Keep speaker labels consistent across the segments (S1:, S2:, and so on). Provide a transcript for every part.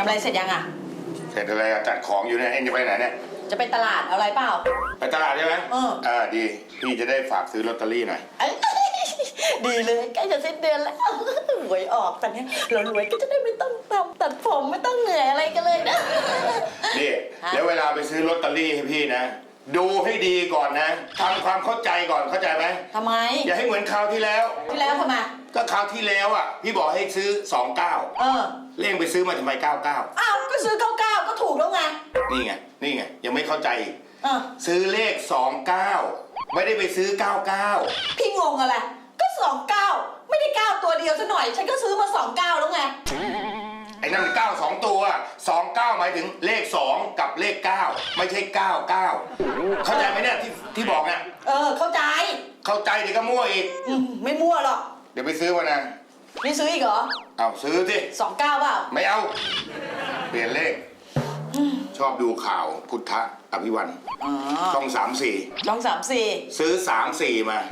S1: อะไรเสร็จยังอ่ะ
S2: เสร็จอะไรจัดของอยู่เนี่ยเอ็งจะไปไหนเนี่ย
S1: จะไปตลาดเอาอะไรเปล่า
S2: ไปตลาดใช่ไหมดีพี่จะได้ฝากซื้อลอตเตอรี่หน่อย
S1: ดีเลยใกล้จะสิ้นเดือนแล้วหวยออกแต่เนี้ยเรารวยก็จะได้ไม่ต้องตัดผมไม่ต้องเหนื่อยอะไรกันเลยนะ
S2: นี่แล้วเวลาไปซื้อลอตเตอรี่ให้พี่นะดูให้ดีก่อนนะทำความเข้าใจก่อนเข้าใจไหม
S1: ทำไม
S2: อย่าให้เหมือนคราวที่แล้ว
S1: ทำไม
S2: ก็คราวที่แล้วอ่ะพี่บอกให้ซื้อ29เล่งไปซื้อมาทำไม99
S1: อ้าวก็ซื้อ99ก็ถูกแล้วไง
S2: นี่ไงยังไม่เข้าใจอีกซื้อเลข29ไม่ได้ไปซื้อ99
S1: พี่งงอะไรก็29ไม่ได้9ตัวเดียวซะหน่อยฉันก็ซื้อมา29แล้วไง
S2: ไอ้นั่นมัน9 2ตัว29หมายถึงเลข2กับเลข9ไม่ใช่99เข้าใจไหมเนี่ยที่บอกเนี่ย
S1: เข้าใจ
S2: เดี๋ยวก็มั่วอีก
S1: ไม่มั่วหรอก
S2: เดี๋ยวไปซื้อมานะ
S1: ไม่ซื้ออีกเหรอ
S2: เอาซื้อสิ
S1: 29เปล่า
S2: ไม่เอาเปลี่ยนเลขชอบดูข่าวพุทธอภิวันช่อง
S1: 34
S2: ซื้อ34มา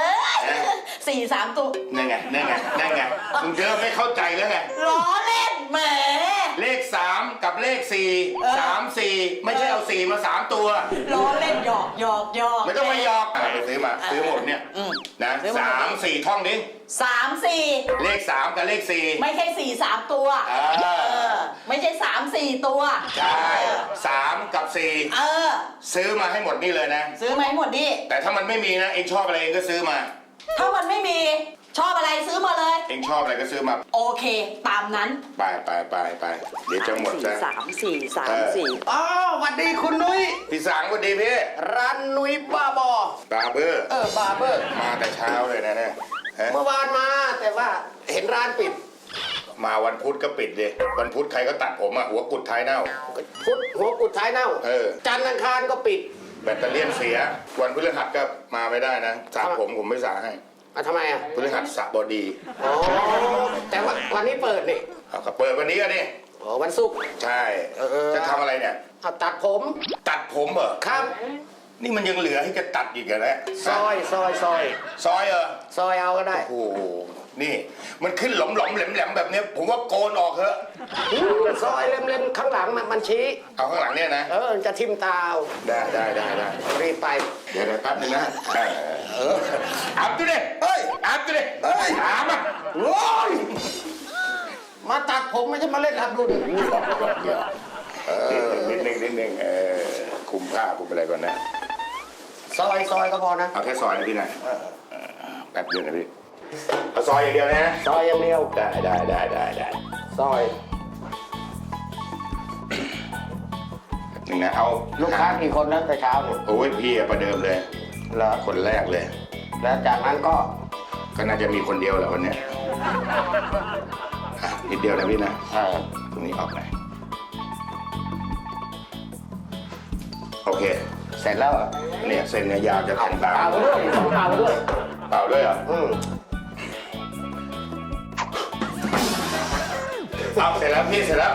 S1: 43ตัว
S2: นั่นไงมึงเจอไม่เข้าใจแล้วไง
S1: ล้อเล่นแหม
S2: เลข3กับเลข4 3 4ไม่ใช่เอา4มา3ตัว
S1: ล้อเล่นหยอก
S2: ไม่ต้องมาหยอกไปซื้อมาซื้อหมดเนี่ยนะ3 4ท่องดิ
S1: 3 4
S2: เลข3กับเลข4
S1: ไม่ใช่4 3ตัวไม่ใช่3 4ตัว
S2: ใช่3กับ4ซื้อมาให้หมดนี่เลยนะ
S1: ซื้อมาให้หมดนี่
S2: แต่ถ้ามันไม่มีนะเองชอบอะไรเองก็ซื้อมา
S1: ถ้ามันไม่มีชอบอะไรซื้อมาเลย
S2: เองชอบอะไรก็ซื้อมา
S1: โอเคตามนั้น
S2: ไปเดี๋ยวจะหมดแล้ว
S1: 3 4
S3: อ๋อสวัสดีคุณนุ้ย
S2: พี่สังสวัสดีพี่
S3: ร้านนุ้ยบาร์เบอร์บาร์เบอร์
S2: มาแต่เช้าเลยนะเนี่ย
S3: เมื่อวานมาแต่ว่าเห็นร้านปิด
S2: มาวันพุธก็ปิดเลยวันพุธใครก็ตัดผมอ่ะหัวกุดท้ายเน่า
S3: พุธหัวกุดท้ายเน่าจันทร์อังคารก็ปิด
S2: แบตเตอรี่เสียวันพฤหัสก็มาไม่ได้นะสระผมไม่สระให้
S3: ทำไมอ่ะ
S2: พฤหัสสระบอดี
S3: อ๋อแต่ว่าวันนี้เปิดนี่
S2: ก็เปิดวันนี้ก็นี่
S3: อ๋อวันศุกร์
S2: ใช่จะทำอะไรเนี่ย
S3: ตัดผม
S2: เหรอ
S3: ครับ
S2: นี่มันยังเหลือให้จะตัดอีกเหรอ
S3: ซอย
S2: เหรอซ
S3: อยเอาก็ได้
S2: โอ้โหนี่มันขึ้นหลอมแหลมแบบนี้ผมว่าโกนออกเถอะ
S3: ซอยเล็มข้างหลังมันชี้
S2: เอาข้างหลังเนี่ยนะ
S3: จะทิ่มตา
S2: ได้
S3: รีบไป
S2: เดี๋ยวแป๊บนึงนะอาบตัวดิอาบอ่ะ
S3: โอ้ยมาตัดผมไม่ใช่มาเล่นอับดุล
S2: นิดนึงคุมผ้าคุมอะไรก่อนนะ
S3: ซอยก็พอนะ
S2: เอาแค่ซอยนะพี่นะแป๊บเดียวนะพี่เอาซอยอย่างเดียวนะ
S3: ซอยอย่างเดียว
S2: ได้
S3: ซอย
S2: หนึ่งนะเอา
S3: ลูกค้ากี่คนนะแต่เช้าเนี่ย
S2: โอ้ยพี่ประเดิมเลยแล้วคนแรกเลย
S3: แล้วจากนั้นก็
S2: น่าจะมีคนเดียวแหละวันนี้นิดเดียวนะพี่นะตรงนี้ออกไหนโอเค
S3: เสร็จแล้ว
S2: เนี่ยเส้นเนี่ยยาวจะถึงตา
S3: เปล่า
S2: ด้วยเหรอเอาเสร็จแล้วพี่เสร็จแล้ว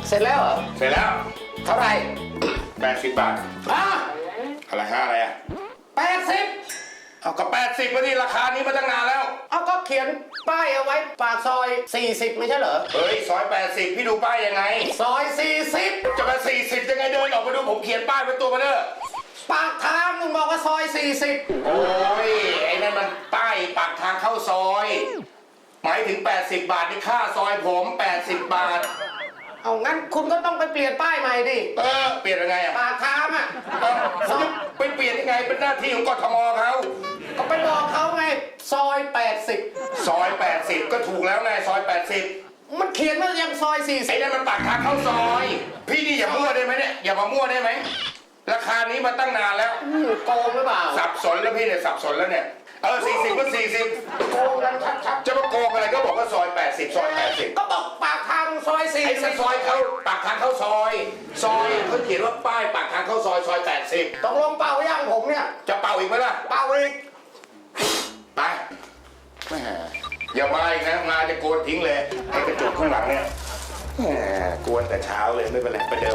S3: เท่าไหร่
S2: 80 บาทอะไรอะไรอ่ะ
S3: 80
S2: เอาก็80วันนี้ราคานี้มาตั้งนานแล้ว
S3: เอาก็เขียนป้ายเอาไว้ปากซอย40ไม่ใช่เหรอ
S2: เฮ้ยซอย80พี่ดูป้ายยังไง
S3: ซอย40
S2: จะมา40ยังไงเดินออกมาดูผมเขียนป้ายเป็นตัวมาเด้อ
S3: ปากทางมึงบอกว่าซอย40
S2: โอ้ยไอ้นั่นมันป้ายปากทางเข้าซอยหมายถึง80 บาทนี่ค่าซอยผม80 บาท
S3: เอางั้นคุณก็ต้องไปเปลี่ยนป้ายใหม่ดิ
S2: เปลี่ยนยังไงอ่ะ
S3: ปากทางอ่ะ
S2: ไปเปลี่ยนยังไงเป็นหน้าที่ของกทมเขา
S3: ก็ไปบอกเขาไงซอย80
S2: ก็ถูกแล้วไงซอย80
S3: มันเขียนว่ายังซอย40
S2: ไอ้นั่นมันปากทางเข้าซอยพี่นี่อย่ามั่วได้ไหมเนี่ยอย่ามามั่วได้ไหมราคานี้มาตั้งนานแล้ว
S3: โกงหรือเปล่า
S2: สับสนแล้วพี่เนี่ยสับสนแล้วเนี่ย40ก็40
S3: โกงกันชัด
S2: ๆจะมาโกงอะไรก็บอกว่าซอย80
S3: ก็บอกปากทางซอย40
S2: ไอ้ซอยเขาปากทางเข้าซอยเขาเขียนว่าป้ายปากทางเข้าซอย80
S3: ตกลงเป่าย่างผมเนี่ย
S2: จะเป่าอีกไหมล่ะ
S3: เป่าอีก
S2: ไปแหมอย่ามาอีกนะมาจะโกนทิ้งเลยไอ้กระจกข้างหลังเนี่ยแหมกวนแต่เช้าเลยไม่เป็นไรไปเดิม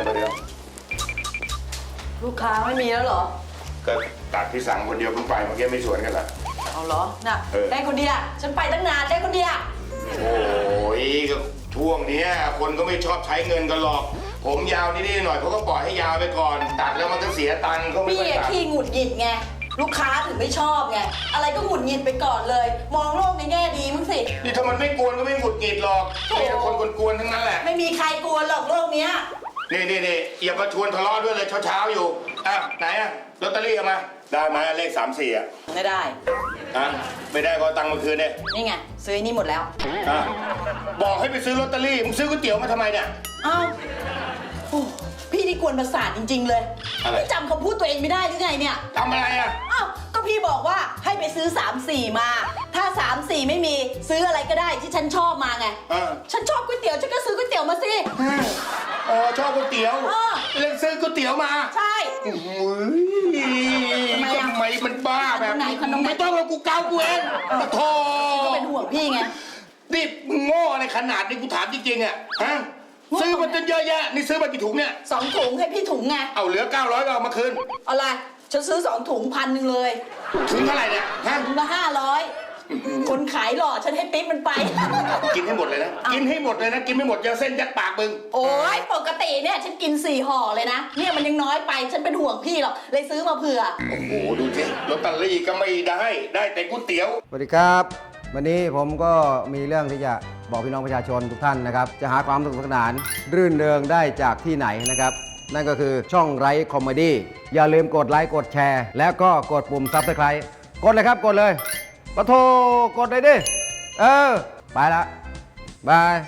S1: ลูกค้าไม่มีแล้วเหรอ
S2: ก็ตัดพี่สังคนเดียวเพิ่งไปเมื่อกี้ไม่สวนกันเหรอ
S1: เอาเหรอน่ะได้คนเดียวฉันไปตั้งนานได้คนเดียว
S2: โอ้ยก็ช่วงเนี้ยคนก็ไม่ชอบใช้เงินกันหรอก ผมยาวนิดๆหน่อยเขาก็ปล่อยให้ยาวไปก่อน ตัดแล้วมันก็เสียตังค์เขาไม่
S1: พี่
S2: ค่อย
S1: อะ
S2: ตัด
S1: ขี้หงุดหงิดไงลูกค้าถึงไม่ชอบไงอะไรก็หงุดหงิดไปก่อนเลย มองโลกในแง่ดีมั้งสิ
S2: นี่ถ้ามันไม่กวนก็ไม่หงุดหงิดหรอกมีแต่คนกวนๆทั้งนั้นแหละ
S1: ไม่มีใครกลัวหรอกโลกเนี้ย
S2: นี่อย่ามาชวนทะเลาะด้วยเลยเช้าๆอยู่อ่ะไหนอะลอตเตอรี่เอามาได้ไหมเลข3-4อ่ะ
S1: ไม่ได้
S2: อ่ะไม่ได้ก็เอาตังค์มาคืนเนี่ย
S1: นี่ไงซื้อนี่หมดแล้ว
S2: อ่ะบอกให้ไปซื้อลอตเตอรี่มึงซื้อก๋วยเตี๋ยวมาทำไมเนี่ย
S1: เอ้าโอ้พี่นี่กวนประสาทจริง ๆ เลย
S2: อะไร
S1: ไม่จำคำพูดตัวเองไม่ได้หรือไงเนี่ย
S2: ทำอะไรอ่ะ
S1: อ้าวก็พี่บอกว่าให้ไปซื้อ3-4มา ถ้า3-4ไม่มีซื้ออะไรก็ได้ที่ฉันชอบมาไง
S2: เออ
S1: ฉันชอบก๋วยเตี๋ยวฉันก็ซื้อก๋วยเตี๋ยวมาสิ
S2: อ๋อชอบก๋วยเตี๋ยว
S1: เออ
S2: เลยซื้อก๋วยเตี๋ยวมา
S1: ใช่
S2: โอ้ย
S1: ทำไมอ่ะ
S2: ทำไมมันบ้าแบบ
S1: ขนมไหนขนมไหน
S2: ไม่ต้องเรากูเกากูเองโธ่
S1: ก็เป็นห่วงพี่ไง
S2: นี่มึงโง่อะไรขนาดนี้กูถามจริงๆอ่ะฮะ
S1: โง่
S2: ซื้อมาจนเยอะแยะนี่ซื้อมากี่ถุงเนี่ย
S1: 2 ถุงให้พี่ถุงไง
S2: เอาเหลือ900ก็เอามาคืน
S1: อะไรฉันซื้อ2 ถุง1,000เลย
S2: ถุงเท่าไหร่เนี่ยฮะ
S1: ถุงละ500คนขายหล่อฉันให้ปิ๊บมันไป
S2: กินให้หมดเลยนะกินให้หมดเลยนะกินไม่หมดจะเส้นยัดปากมึง
S1: โอ้ยปกติเนี่ยฉันกิน4 ห่อเลยนะเนี่ยมันยังน้อยไปฉันเป็นห่วงพี่หรอกเลยซื้อมาเผื่อ
S2: โอ้โหดูสิลอตเตอรี่ก็ไม่ได้แต่ก๋วยเตี๋ยว
S4: สวัสดีครับ วันนี้ผมก็มีเรื่องที่จะบอกพี่น้องประชาชนทุกท่านนะครับ จะหาความสนุกสนาน รื่นเริงได้จากที่ไหนนะครับ นั่นก็คือช่องไร้คอมเมดี้อย่าลืมกดไลค์กดแชร์ แล้วก็กดปุ่มซับสไครต์กดเลยครับกดเลยปะโทกดเลยดิ ไปละบาย